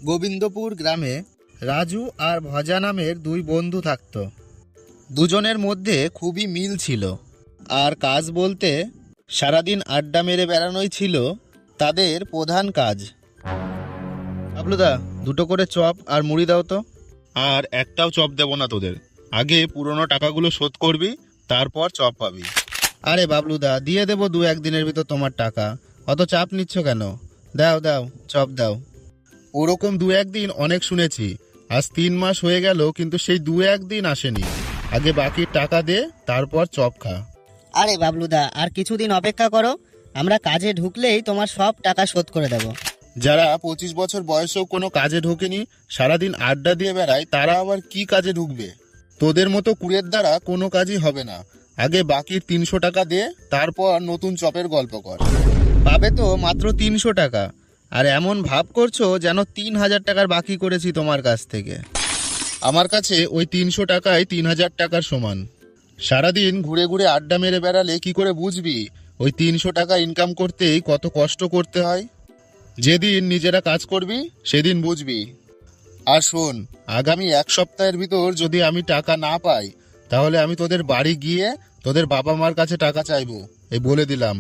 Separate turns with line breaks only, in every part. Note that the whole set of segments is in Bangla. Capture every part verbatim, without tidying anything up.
গোবিন্দপুর গ্রামে রাজু আর ভজা নামের দুই বন্ধু থাকত। দুজনের মধ্যে খুবই মিল ছিল, আর কাজ বলতে সারাদিন আড্ডা মেরে বেড়ানোই ছিল তাদের প্রধান কাজ। বাবলুদা, দুটো করে চপ আর মুড়ি দাও তো। আর একটাও চপ দেবো না তোদের, আগে পুরনো টাকাগুলো শোধ করবি, তারপর চপ পাবি। আরে বাবলুদা, দিয়ে দেবো দু একদিনের ভিতর তোমার টাকা, অত চাপ নিচ্ছ কেন? দাও দাও, চপ দাও। ওরকম দু একদিন অনেক শুনেছি, আজ তিন মাস হয়ে গেল কিন্তু সেই দু একদিন আসেনি। আগে বাকির টাকা দে, তারপর চপ খা।
আরে বাবলুদা, আর কিছুদিন অপেক্ষা করো, আমরা কাজে ঢুকলেই তোমার সব টাকা শোধ করে দেব।
যারা পঁচিশ বছর বয়সেও কোনো কাজে ঢোকেনি, সারাদিন আড্ডা দিয়ে বেড়ায়, তারা আবার কি কাজে ঢুকবে? তোদের মতো কুড়ের দ্বারা কোনো কাজই হবে না। আগে বাকির তিনশো টাকা দে, তারপর নতুন চপের গল্প কর। পাবে তো মাত্র তিনশো টাকা, আর এমন ভাব করছো যেন তিন হাজার টাকার বাকি করেছি তোমার কাছ থেকে। আমার কাছে ওই তিনশো টাকায় তিন হাজার টাকার সমান। সারাদিন ঘুরে ঘুরে আড্ডা মেরে বেড়ালে কি করে বুঝবি ওই তিনশো টাকা ইনকাম করতেই কত কষ্ট করতে হয়? যেদিন নিজেরা কাজ করবি সেদিন বুঝবি। আর শোন, আগামী এক সপ্তাহের ভিতর যদি আমি টাকা না পাই, তাহলে আমি তোদের বাড়ি গিয়ে তোদের বাবা মার কাছে টাকা চাইবো, এই বলে দিলাম।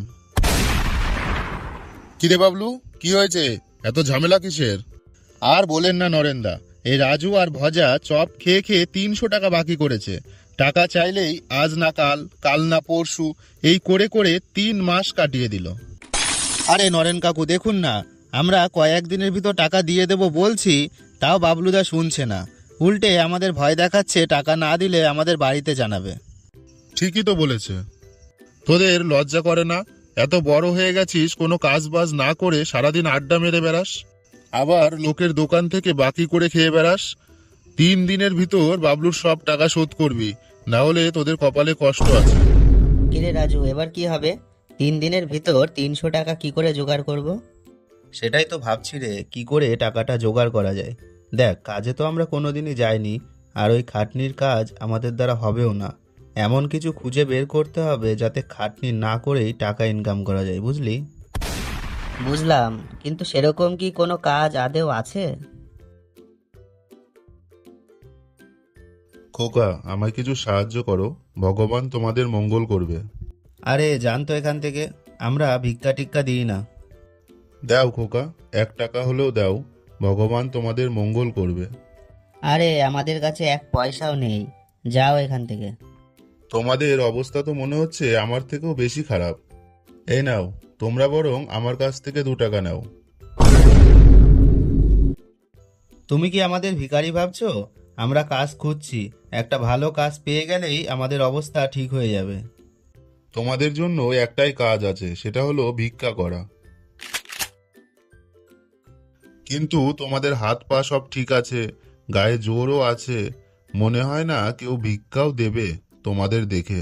কিরে বাবলু, কি হয়েছে? এত ঝামেলা কিসের? আর বলেন না নরেন্দা, এই রাজু আর ভজা চপ খেয়ে খেয়ে তিনশো টাকা বাকি করেছে। টাকা চাইলেই আজ না কাল, কাল না পরশু, এই করে করে তিন মাস কাটিয়ে দিল। আরে নরেন কাকু, দেখুন না, আমরা কয়েকদিনের ভিতর টাকা দিয়ে দেব বলছি, তাও বাবলুদা শুনছে না। উল্টে আমাদের ভয় দেখাচ্ছে টাকা না দিলে আমাদের বাড়িতে জানাবে। ঠিকই তো বলেছে। তোদের লজ্জা করে না? এত বড় হয়ে গেছিস, কোনো কাজ বাজ না করে সারাদিন আড্ডা মেরে বেড়াস, আবার লোকের দোকান থেকে বাকি করে খেয়ে বেড়াস। তিন দিনের ভিতর বাবলুর সব টাকা শোধ করবি, না হলে তোদের কপালে কষ্ট আছে।
কিরে রাজু, এবার কি হবে? তিন দিনের ভিতর তিনশো টাকা কি করে জোগাড় করব?
সেটাই তো ভাবছি রে, কি করে টাকাটা জোগাড় করা যায়। দেখ, কাজে তো আমরা কোনোদিনই যাইনি, আর ওই খাটনির কাজ আমাদের দ্বারা হবেও না। এমন কিছু খুঁজে বের করতে হবে যাতে খাটনি না করেই টাকা ইনকাম করা যায়, বুঝলি?
বুঝলাম, কিন্তু সেরকম কি কোনো কাজ আদেও আছে?
খোকা, আমায় কিছু সাহায্য করো, ভগবান তোমাদের মঙ্গল করবে।
আরে জান তো এখান থেকে, আমরা ভিক্ষা টিক্কা দিই না।
দাও খোকা, এক টাকা হলেও দাও, ভগবান তোমাদের মঙ্গল করবে।
আরে আমাদের কাছে এক পয়সাও নেই, যাও এখান থেকে।
তোমাদের অবস্থা তো মনে হচ্ছে আমার থেকেও বেশি খারাপ। এই নাও, তোমরা বরং আমার কাছ থেকে দু টাকা নাও।
তুমি কি আমাদের ভিখারি ভাবছো? আমরা কাজ খুঁজছি, একটা ভালো কাজ পেয়ে গেলেই আমাদের অবস্থা ঠিক হয়ে যাবে।
তোমাদের জন্য একটাই কাজ আছে, সেটা হলো ভিক্ষা করা। কিন্তু তোমাদের হাত পা সব ঠিক আছে, গায়ে জোরও আছে, মনে হয় না কেউ ভিক্ষাও দেবে তোমাদের দেখে।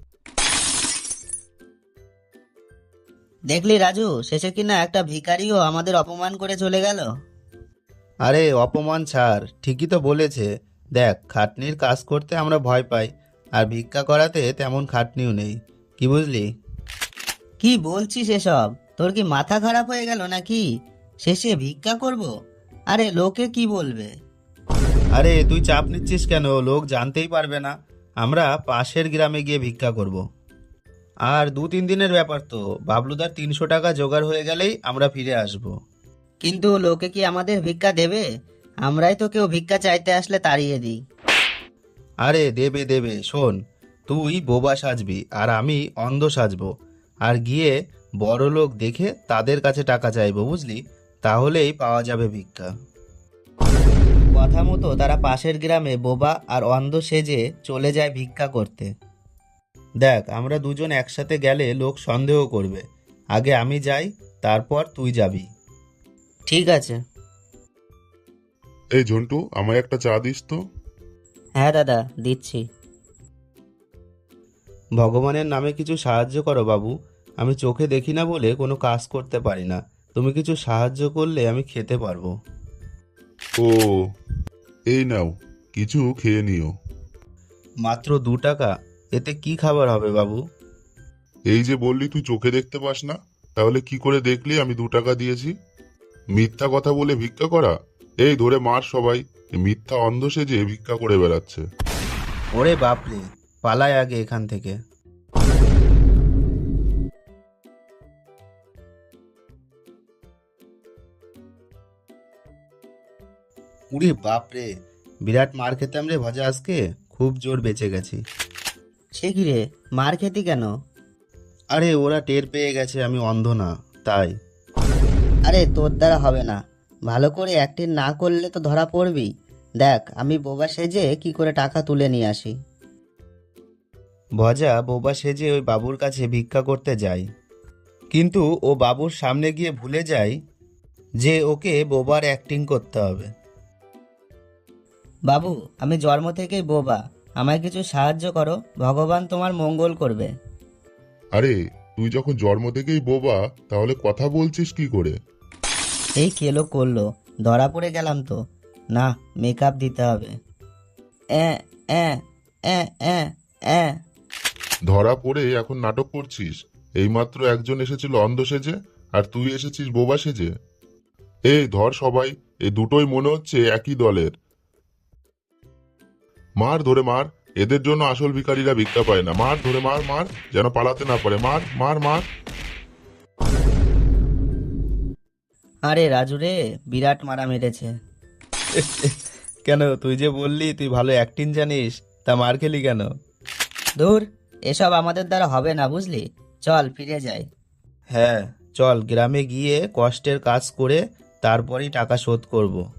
দেখলি রাজু, শেষে কিনা একটা ভিখারিও আমাদের অপমান করে চলে গেল।
আরে অপমান ছাড়, ঠিকই তো বলেছে। দেখ, খাটনির কাজ করতে আমরা ভয় পাই, আর ভিক্ষা করাতে তেমন খাটনিও নেই, কি বুঝলি?
কি বলছিস এসব? তোর কি মাথা খারাপ হয়ে গেল নাকি? শেষে ভিক্ষা করব? আরে লোকে কি বলবে?
আরে তুই চাপ নিচ্ছিস কেন? লোক জানতেই পারবে না। আমরা পাশের গ্রামে গিয়ে ভিক্ষা করব। আর দু তিন দিনের ব্যাপার তো, বাবলুদার তিনশো টাকা জোগাড় হয়ে গেলেই আমরা ফিরে আসব।
কিন্তু লোকে কি আমাদের ভিক্ষা দেবে? আমরাই তো কেউ ভিক্ষা চাইতে আসলে তাড়িয়ে দিই।
আরে দেবে দেবে, শোন, তুই বোবা সাজবি আর আমি অন্ধ সাজবো, আর গিয়ে বড় লোক দেখে তাদের কাছে টাকা চাইবো, বুঝলি? তাহলেই পাওয়া যাবে ভিক্ষা।
কথা মতো তারা পাশের গ্রামে বোবা আর অন্ধ সেজে চলে যায় ভিক্ষা করতে।
দেখ, আমরা দুজন একসাথে গেলে লোক সন্দেহ করবে। আগে আমি যাই, তারপর তুই যাবি।
ঠিক আছে।
এই ঝন্টু, আমায় একটা চা দিস তো।
হ্যাঁ দাদা, দিচ্ছি।
ভগবানের নামে কিছু সাহায্য করো বাবু, আমি চোখে দেখি না বলে কোনো কাজ করতে পারি না। তুমি কিছু সাহায্য করলে আমি খেতে পারবো।
ও, এই নাও, কিছু খেয়ে নিও।
মাত্র দু টাকা? এতে কি খাবার হবে বাবু?
এই যে বললি তুই চোখে দেখতে পাস না, তাহলে কি করে দেখলি আমি দু টাকা দিয়েছি? মিথ্যা কথা বলে ভিক্ষা করা, এই ধরে মার সবাই, এ মিথ্যা অন্ধ সেজে ভিক্ষা করে বেড়াচ্ছে।
ওরে বাপরে, পালায় আগে এখান থেকে। উরে বাপরে, বিরাট মার খেতাম রে ভজা আজকে, খুব জোর বেঁচে গেছি।
সে কি রে, মার খেতি কেন?
আরে ওরা টের পেয়ে গেছে আমি অন্ধ না, তাই।
আরে তোর দ্বারা হবে না, ভালো করে অ্যাক্টিং না করলে তো ধরা পড়বি। দেখ আমি বোবা সেজে কি করে টাকা তুলে নিয়ে আসি।
ভজা বোবা সেজে ওই বাবুর কাছে ভিক্ষা করতে যায়, কিন্তু ও বাবুর সামনে গিয়ে ভুলে যায় যে ওকে বোবার অ্যাক্টিং করতে হবে।
বাবু আমি জন্ম থেকেই বোবা, আমায় কিছু সাহায্য করো, ভগবান তোমার মঙ্গল করবে।
আরে তুই যখন জন্ম থেকেই বোবা, তাহলে কথা বলছিস কি করে?
এই কেলো করলো, ধরা পড়ে গেলাম তো। না, মেকআপ দিতে হবে। অ্যাঁ অ্যাঁ অ্যাঁ অ্যাঁ অ্যাঁ।
ধরা পড়ে এখন নাটক করছিস? এইমাত্র একজন এসেছিল অন্ধ সেজে, আর তুই এসেছিস বোবা সেজে। এই ধর সবাই, এই দুটোই মনে হচ্ছে একই দলের। মার ধরে মার, এদের জন্য আসল ভিখারিরা ভিক্ষা পায় না। মার ধরে মার, মার যেন পালাতে না পারে। মার মার মার।
আরে রাজু রে, বিরাট মারা মেরেছে।
কেন, তুই যে বললি তুই ভালো অ্যাক্টিং জানিস, তা মার খেলি কেন?
দূর, এসব আমাদের দ্বারা হবে না বুঝলি, চল ফিরে যাই।
হ্যাঁ চল, গ্রামে গিয়ে কষ্টের কাজ করে তারপরেই টাকা শোধ করব।